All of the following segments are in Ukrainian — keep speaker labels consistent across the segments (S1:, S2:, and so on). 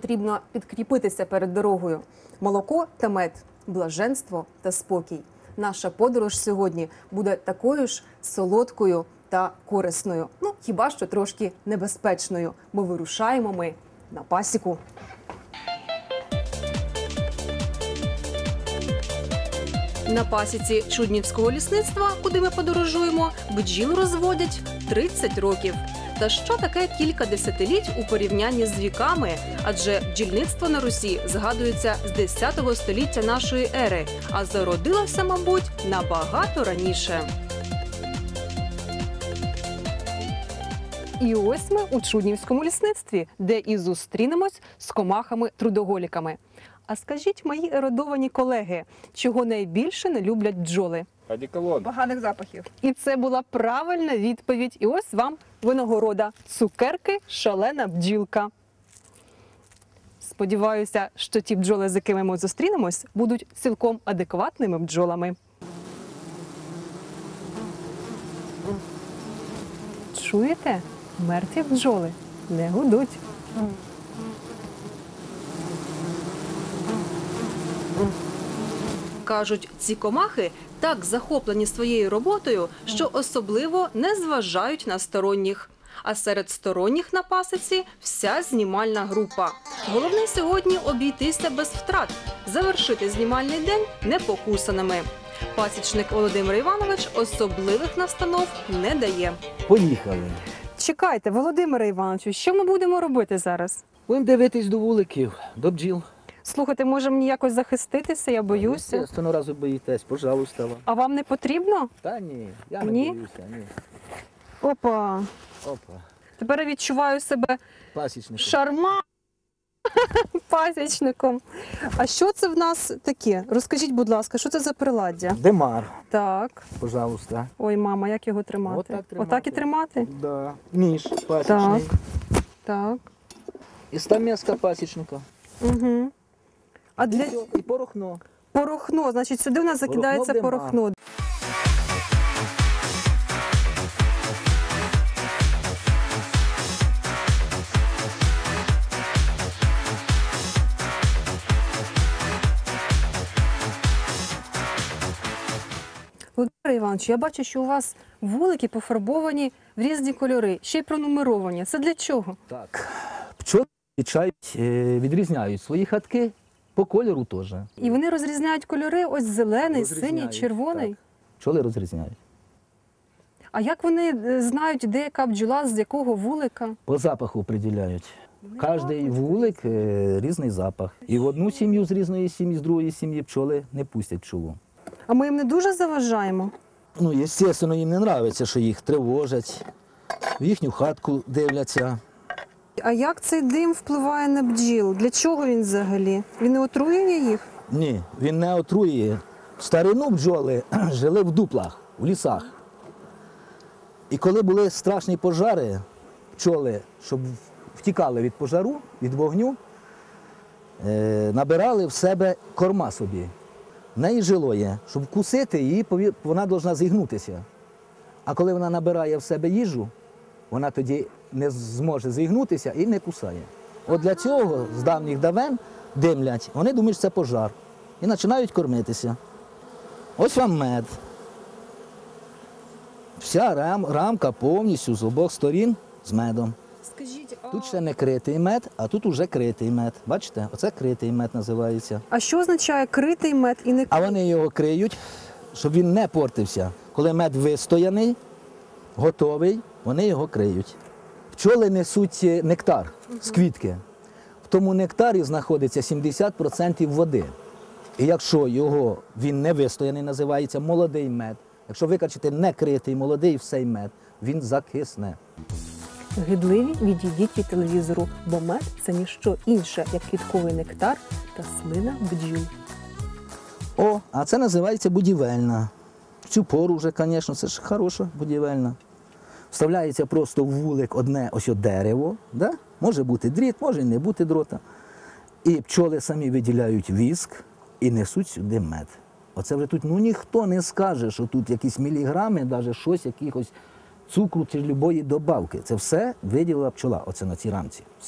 S1: потрібно підкріпитися перед дорогою. Молоко та мед, блаженство та спокій. Наша подорож сьогодні буде такою ж солодкою та корисною. Ну, хіба що трошки небезпечною, бо вирушаємо ми на пасіку. На пасіці Чуднівського лісництва, куди ми подорожуємо, бджіл розводять 30 років. Та що таке кілька десятиліть у порівнянні з віками? Адже бджільництво на Русі згадується з 10 століття нашої ери, а зародилося, мабуть, набагато раніше. І ось ми у Чуднівському лісництві, де і зустрінемось з комахами-трудоголіками. А скажіть, мої ерудовані колеги, чого найбільше не люблять бджоли?
S2: Одеколон.
S3: Поганих запахів.
S1: І це була правильна відповідь. І ось вам винагорода. Цукерки «Шалена бджілка». Сподіваюся, що ті бджоли, з якими ми зустрінемось, будуть цілком адекватними бджолами. Чуєте? Мертві бджоли не гудуть. Кажуть, ці комахи так захоплені своєю роботою, що особливо не зважають на сторонніх. А серед сторонніх на пасіці вся знімальна група. Головне сьогодні обійтися без втрат, завершити знімальний день непокусаними. Пасічник Володимир Іванович особливих настанов не дає.
S2: Поїхали.
S1: Чекайте, Володимире Івановичу, що ми будемо робити зараз?
S2: Будемо дивитись до вуликів, до бджіл.
S1: Слухайте, може мені якось захиститися, я боюся.
S2: Наступного разу боїтесь, пожалуйста. Вам.
S1: А вам не потрібно?
S2: Та ні, я не
S1: Ні?
S2: боюся, ні.
S1: Опа,
S2: Опа,
S1: тепер я відчуваю себе
S2: пасічник.
S1: шарма пасічником. А що це в нас таке? Розкажіть, будь ласка, що це за приладдя?
S2: Демар,
S1: Так.
S2: пожалуйста.
S1: Ой, мама, як його тримати?
S2: Отак тримати.
S1: Отак і тримати?
S2: Да. Ніж пасічний.
S1: Так.
S2: І стамеска пасічника.
S1: Угу. А для
S2: Все, і порохно.
S1: порохно, значить, сюди в нас закидається
S2: Порохно
S1: порохно. Володимир Іванович, я бачу, що у вас вулики пофарбовані в різні кольори, ще й пронумеровані. Це для чого?
S2: Так. Пчоли відрізняють свої хатки по кольору теж.
S1: І вони розрізняють кольори, ось зелений, синій,
S2: Розрізняють,
S1: червоний.
S2: так. Пчоли розрізняють.
S1: А як вони знають, де яка бджола, з якого вулика?
S2: По запаху определяють. Кожний вулик різний запах. І в одну сім'ю з різної сім'ї, з другої сім'ї пчоли не пустять пчолу.
S1: А ми їм не дуже заважаємо?
S2: Ну, звісно, їм не подобається, що їх тривожать, в їхню хатку дивляться.
S1: А як цей дим впливає на бджіл? Для чого він взагалі? Він не отруює їх?
S2: Ні, він не отруює. В старину бджоли жили в дуплах, в лісах. І коли були страшні пожари, пчоли, щоб втікали від пожару, від вогню, набирали в себе корма собі. В неї жило є, щоб вкусити її, вона повинна зігнутися. А коли вона набирає в себе їжу, вона тоді не зможе зігнутися і не кусає. От для цього з давніх давен димлять, вони думають, що це пожар. І починають кормитися. Ось вам мед. Вся рамка повністю з обох сторін з медом.
S1: Скажіть,
S2: Тут ще не критий мед, а тут уже критий мед. Бачите? Оце критий мед називається.
S1: а що означає критий мед і не
S2: А вони його криють, щоб він не портився. Коли мед вистояний, готовий, вони його криють. Пчоли несуть нектар з квітки. В тому нектарі знаходиться 70% води. І якщо він не вистояний, називається молодий мед. Якщо викачати некритий молодий всей мед, він закисне.
S1: Гидливі, відійдіть від телевізору, бо мед – це ніщо інше, як квітковий нектар та слина бджіл.
S2: О, а це називається будівельна. В цю пору вже, звісно, це ж хороша будівельна. Вставляється просто в вулик одне ось дерево, да? Може бути дріт, може і не бути дрота. І пчоли самі виділяють віск і несуть сюди мед. Оце вже тут ніхто не скаже, що тут якісь міліграми, навіть щось, якихось цукру чи любої добавки. Це все виділила пчола, оце на цій рамці. Все.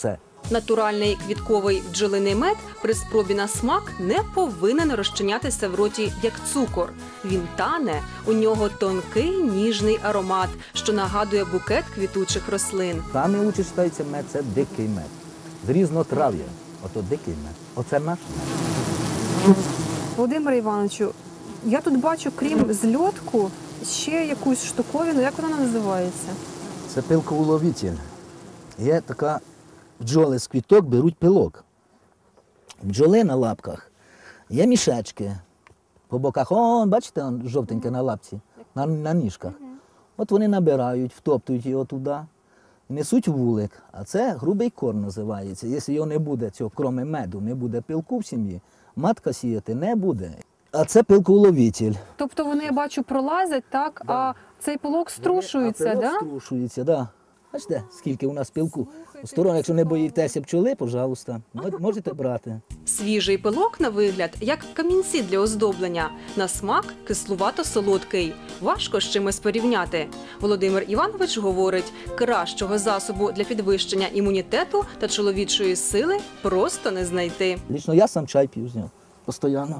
S1: Натуральний квітковий бджолиний мед при спробі на смак не повинен розчинятися в роті як цукор. Він тане, у нього тонкий ніжний аромат, що нагадує букет квітучих рослин.
S2: Саме лучше вважається мед – це дикий мед. З різнотрав'я. Ото дикий мед. Оце наш мед.
S3: Володимире Івановичу, я тут бачу, крім зльотку, ще якусь штуковину. Як вона називається?
S2: Це пилковуловитель. Є така, бджоли з квіток беруть пилок. Бджоли на лапках є мішечки по боках. О, бачите, он жовтеньке на лапці, на ніжках. От вони набирають, втоптують його туди, несуть вулик. А це грубий корм називається. Якщо його не буде, цього, крім меду, не буде пилку в сім'ї, матка сіяти не буде. А це пилковуловитель.
S3: Тобто вони, я бачу, пролазять, так, а цей пилок струшується,
S2: так?
S3: да?
S2: Струшується, так. Да. Бачите, скільки у нас пилку. Сторон, якщо не боїтеся пчоли, пожалуйста, можете брати.
S1: Свіжий пилок на вигляд, як камінці для оздоблення. На смак кислувато-солодкий. Важко з чимось порівняти. Володимир Іванович говорить, кращого засобу для підвищення імунітету та чоловічої сили просто не знайти.
S2: Лічно я сам чай п'ю з нього, постійно.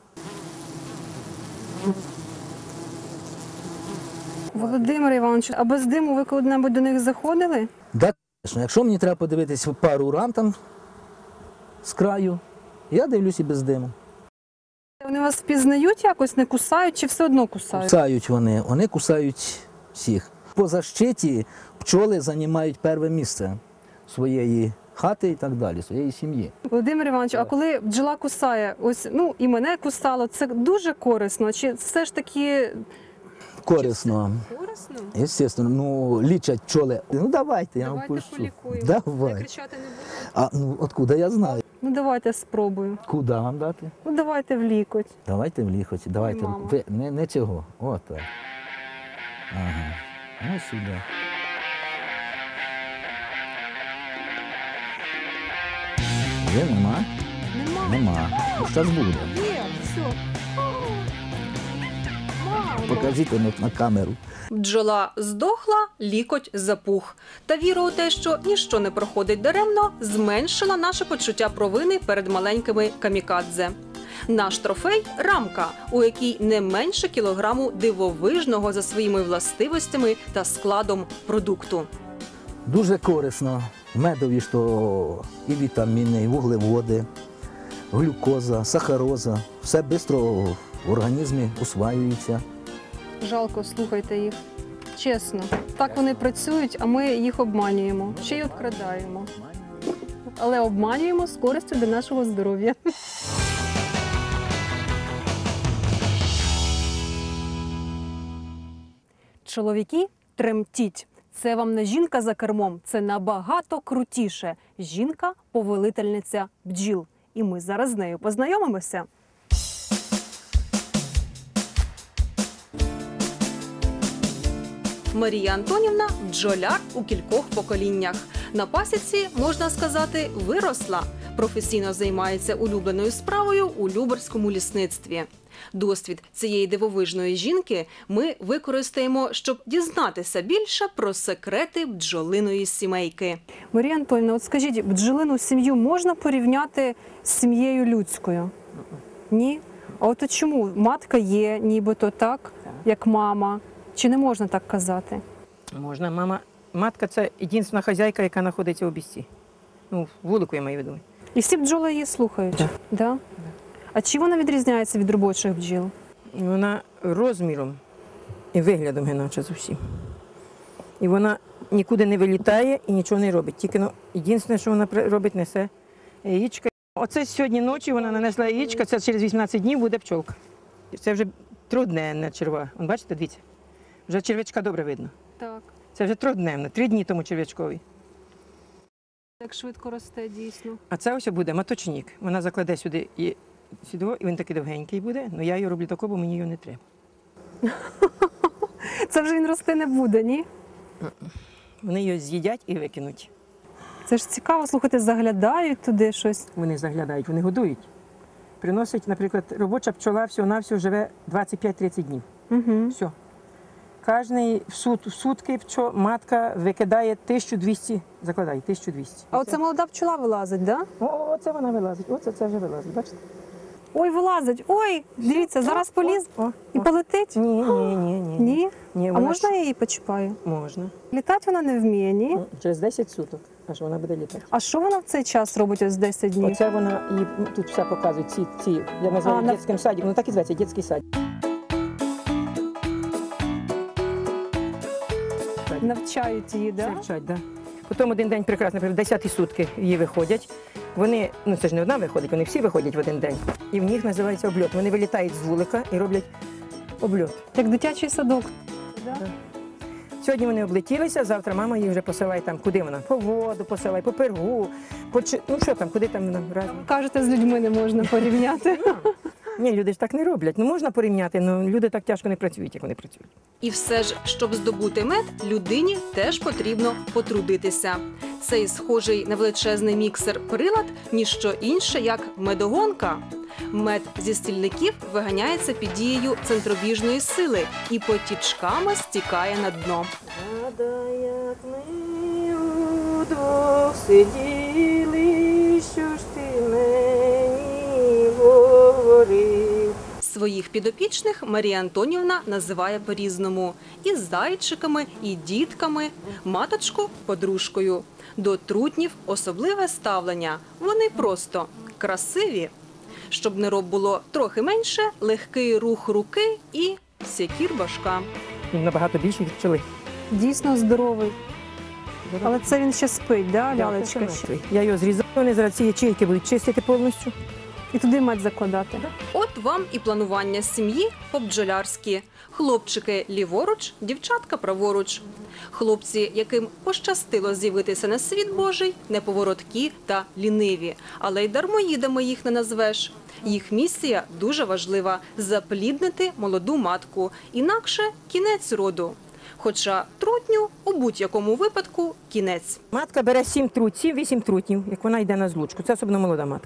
S3: Володимире Івановичу, а без диму ви коли-небудь до них заходили?
S2: Так, звісно, якщо мені треба подивитися пару рам там з краю, я дивлюсь і без диму.
S3: Вони вас впізнають якось, не кусають чи все одно кусають?
S2: Кусають вони кусають всіх. По защиті пчоли займають перше місце своєї хати і так далі, своєї сім'ї.
S3: Володимир Іванович, а коли бджола кусає, ось, ну, і мене кусало, це дуже корисно? Чи все ж таки...
S2: Корисно.
S3: Корисно?
S2: Звісно, ну, лічать пчоли. Ну, давайте, я вам
S3: Давайте
S2: пущу.
S3: полікуємо.
S2: Давай.
S3: Я кричати не буду?
S2: А, ну, откуда я знаю?
S3: Ну, давайте спробую.
S2: Куди вам дати?
S3: Ну, давайте в лікоть.
S2: Давайте в ліхоті, давайте.
S3: мама.
S2: Ви, не цього, от так. Ага, ось сюди. Є, нема?
S3: Нема.
S2: Нема. Ну, зараз буде.
S3: Є, все.
S2: Покажіть на камеру.
S1: Бджола здохла, лікоть запух. Та віра у те, що ніщо не проходить даремно, зменшила наше почуття провини перед маленькими камікадзе. Наш трофей – рамка, у якій не менше кілограму дивовижного за своїми властивостями та складом продукту.
S2: Дуже корисно. В медові що і вітаміни, і вуглеводи, глюкоза, сахароза. Все швидко в організмі усваюється.
S3: Жалко, слухайте їх. Чесно. Так вони працюють, а ми їх обманюємо. Ще й обкрадаємо. Але обманюємо з користю для нашого здоров'я. Чоловіки, тремтіть. Це вам не жінка за кермом, це набагато крутіше. Жінка-повелительниця бджіл. І ми зараз з нею познайомимося.
S1: Марія Антонівна – бджоляр у кількох поколіннях. На пасіці, можна сказати, виросла. Професійно займається улюбленою справою у Любарському лісництві. Досвід цієї дивовижної жінки ми використаємо, щоб дізнатися більше про секрети бджолиної сімейки.
S3: Марія Антонівна, от скажіть, бджолину сім'ю можна порівняти з сім'єю людською? Ні? А от чому? Матка є нібито так, як мама. Чи не можна так казати?
S4: Можна. Матка – це єдина хазяйка, яка знаходиться у бісті. Ну, вулику я маю в виду.
S3: І всі бджоли її слухають?
S4: Так.
S3: Да? А чи вона відрізняється від робочих бджіл?
S4: Вона розміром і виглядом іначе зовсім. І вона нікуди не вилітає і нічого не робить. Тільки єдине, що вона робить, несе яєчка. Оце сьогодні ночі вона нанесла яєчка, це через 18 днів буде пчолка. Це вже трудневна черва. Вон, бачите, дивіться, вже червячка добре видно.
S3: Так.
S4: Це вже трудневна, 3 дні тому червячкові.
S3: Так швидко росте, дійсно.
S4: А це ось буде маточник. Вона закладе сюди і він такий довгенький буде, але я його роблю такого, бо мені його не треба.
S3: Це вже він рости не буде, ні?
S4: Вони його з'їдять і викинуть.
S3: Це ж цікаво, слухайте, заглядають туди щось.
S4: Вони заглядають, вони годують. Приносять, наприклад, робоча пчола всього-навсього живе 25-30 днів.
S3: Угу.
S4: Все. Кожний в сутки матка викидає 1200, закладає 1200.
S3: А оце молода пчола вилазить, так? Да?
S4: Оце вона вилазить, це вже вилазить, бачите?
S3: Ой, вилазить. Ой, дивіться, зараз поліз
S4: О,
S3: і полетить.
S4: Ні.
S3: Ні?
S4: Ні,
S3: А
S4: вона
S3: можна я її почіпаю?
S4: Можна.
S3: Літати вона не вміє, ні?
S4: Через 10 суток, аж вона буде літати.
S3: А що вона в цей час робить ось 10 днів?
S4: Оце вона, і тут все показує, я називаю
S3: на-
S4: дитячим садиком, ну так і зветься, дитячий садик.
S3: Навчають її,
S4: Це
S3: так? Да?
S4: вчать, да. Потім один день прекрасно, наприклад, 10-ті сутки її виходять. Вони, ну це ж не одна виходить, вони всі виходять в один день. І в них називається обльот. Вони вилітають з вулика і роблять обльот.
S3: Як дитячий садок. Да?
S4: Сьогодні вони облетілися, завтра мама їх вже посилає там, куди вона? По воду посилає, по пергу, ну що там, куди там вона разом.
S3: Кажете, з людьми не можна порівняти.
S4: Ні, люди ж так не роблять. Ну можна порівняти, але люди так тяжко не працюють, як вони працюють.
S1: І все ж, щоб здобути мед, людині теж потрібно потрудитися. Цей схожий на величезний міксер-прилад – ніщо інше, як медогонка. Мед зі стільників виганяється під дією центробіжної сили і потічками стікає на дно.
S4: Згадай, як ми удвох сиділи, що ж ти мені говорив.
S1: Своїх підопічних Марія Антонівна називає по-різному – і зайчиками, і дітками, маточку – подружкою. До трутнів особливе ставлення – вони просто красиві. Щоб нероб було трохи менше, легкий рух руки і сякір башка.
S4: Він набагато більший від пчоли.
S3: Дійсно здоровий. Але це він ще спить, да, лялечка? ще?
S4: Я його зрізаю, вони зараз ці ячейки будуть чистити повністю.
S3: І туди мед закладати.
S1: От вам і планування сім'ї по-бджолярськи. Хлопчики ліворуч, дівчатка праворуч. Хлопці, яким пощастило з'явитися на світ Божий, неповороткі та ліниві. Але й дармоїдами їх не назвеш. Їх місія дуже важлива – запліднити молоду матку. Інакше – кінець роду. Хоча трутню у будь-якому випадку – кінець.
S4: Матка бере 7-8 трутнів, як вона йде на злучку. Це особливо молода матка.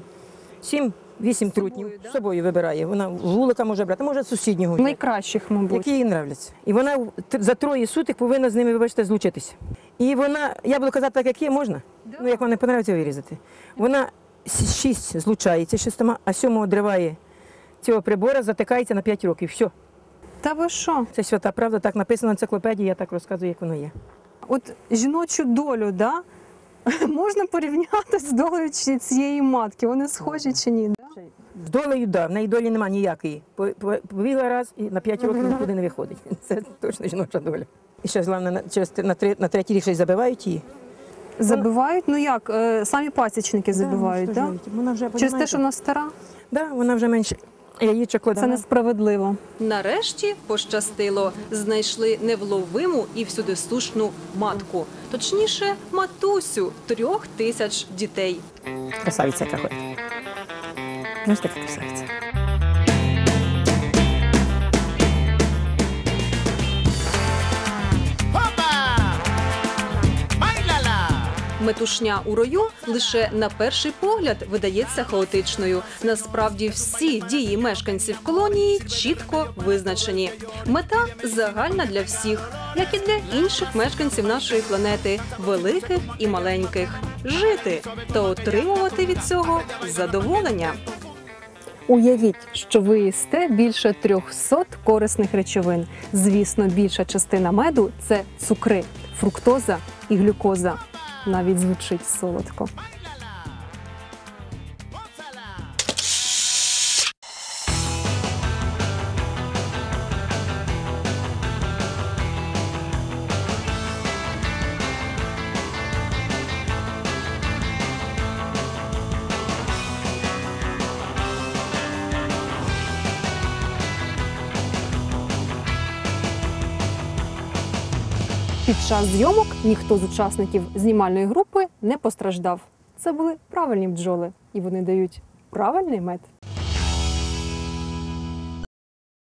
S4: 7-8 трутнів
S1: да?
S4: з собою вибирає. Вона вулика може брати, може з сусіднього. взяти,
S3: Найкращих, мабуть.
S4: які їй нравляться. І вона за 3 суток повинна з ними, вибачте, злучитися. І вона, я буду казати так, як є, можна? Ну, як вам не подобається, вирізати. Вона 6 злучається 6, а 7 одриває цього прибора, затикається на 5 років. Все.
S3: Та ви що?
S4: Це свята правда, так написано в енциклопедії, я так розказую, як воно є.
S3: От жіночу долю, да? Можна порівняти з долею цієї матки. Вони схожі чи ні? Да?
S4: З долею, да, в неї долі немає ніякої. Побігла раз і на 5 років нікуди не виходить. Це точно жіноча доля. І ще, головне, на третій рік ще й забивають її.
S3: Забивають? Ну як? Самі пасічники забивають, так? Да?
S4: Вона вже,
S3: Через те, що вона стара?
S4: Да, вона вже менше яєчок кладе.
S3: Це несправедливо.
S1: Нарешті пощастило. Знайшли невловиму і всюдисушну матку. Точніше, матусю 3000 дітей.
S4: Красавиця яка ходить. Знаєш, така красавиця.
S1: Метушня у рою лише на перший погляд видається хаотичною. Насправді всі дії мешканців колонії чітко визначені. Мета загальна для всіх, як і для інших мешканців нашої планети, великих і маленьких. Жити та отримувати від цього задоволення.
S3: Уявіть, що ви їсте більше 300 корисних речовин. Звісно, більша частина меду – це цукри, фруктоза і глюкоза. Навіть звучить солодко. Під час зйомок ніхто з учасників знімальної групи не постраждав. Це були правильні бджоли, і вони дають правильний мед.